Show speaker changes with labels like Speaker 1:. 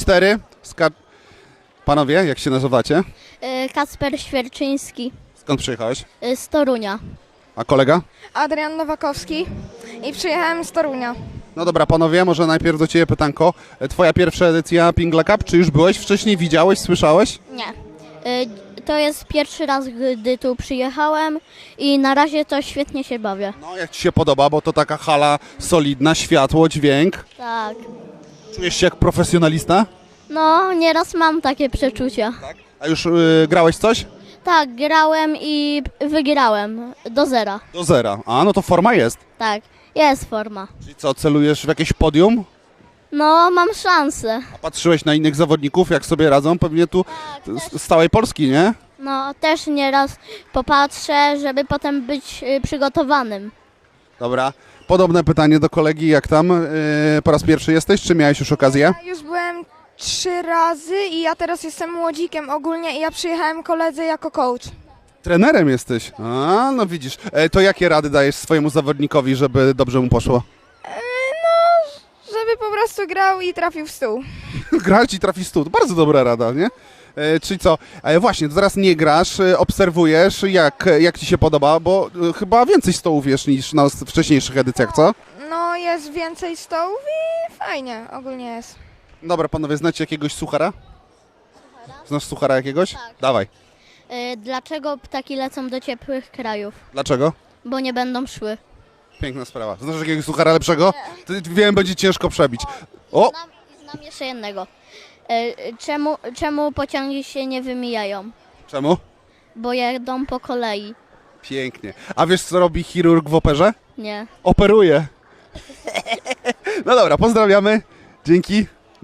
Speaker 1: 4. Panowie, jak się nazywacie?
Speaker 2: Kacper Świerczyński
Speaker 1: Skąd przyjechałeś?
Speaker 2: z Torunia.
Speaker 1: A kolega?
Speaker 3: Adrian Nowakowski i przyjechałem z Torunia.
Speaker 1: No dobra, panowie, może najpierw do ciebie pytanko. Twoja pierwsza edycja Pingla Cup, czy już byłeś wcześniej, widziałeś, słyszałeś?
Speaker 2: Nie. To jest pierwszy raz, gdy tu przyjechałem i na razie to świetnie się bawię.
Speaker 1: No, jak ci się podoba, bo to taka hala solidna, światło, dźwięk.
Speaker 2: Tak.
Speaker 1: Czujesz się jak profesjonalista?
Speaker 2: No, nieraz mam takie przeczucia.
Speaker 1: A już grałeś coś?
Speaker 2: Tak, grałem i wygrałem do 0.
Speaker 1: Do 0. A, no to forma jest.
Speaker 2: Tak, jest forma.
Speaker 1: Czyli co, celujesz w jakieś podium?
Speaker 2: No, mam szansę.
Speaker 1: A patrzyłeś na innych zawodników, jak sobie radzą? Pewnie tu z całej Polski, nie?
Speaker 2: No, też nieraz popatrzę, żeby potem być przygotowanym.
Speaker 1: Dobra. Podobne pytanie do kolegi, jak tam? Po raz pierwszy jesteś, czy miałeś już okazję?
Speaker 3: Ja już byłem 3 razy i ja teraz jestem młodzikiem ogólnie i ja przyjechałem koledze jako coach.
Speaker 1: Trenerem jesteś. A, no widzisz. To jakie rady dajesz swojemu zawodnikowi, żeby dobrze mu poszło?
Speaker 3: Żeby po prostu grał i trafił w stół.
Speaker 1: Grać i trafi stół. To bardzo dobra rada, nie? Czyli co? Właśnie, to teraz nie grasz, obserwujesz, jak ci się podoba, bo chyba więcej stołów jest niż na wcześniejszych edycjach, co?
Speaker 3: No jest więcej stołów i fajnie ogólnie jest.
Speaker 1: Dobra, panowie, znacie jakiegoś suchara? Znasz suchara jakiegoś?
Speaker 2: Tak.
Speaker 1: Dawaj.
Speaker 2: Dlaczego ptaki lecą do ciepłych krajów?
Speaker 1: Dlaczego?
Speaker 2: Bo nie będą szły.
Speaker 1: Piękna sprawa. Znasz jakiegoś suchara lepszego? Wiem, będzie ciężko przebić. O!
Speaker 2: Znam jeszcze jednego. Czemu pociągi się nie wymijają?
Speaker 1: Czemu?
Speaker 2: Bo jadą po kolei.
Speaker 1: Pięknie. A wiesz, co robi chirurg w operze?
Speaker 2: Nie.
Speaker 1: Operuje. No dobra, pozdrawiamy. Dzięki.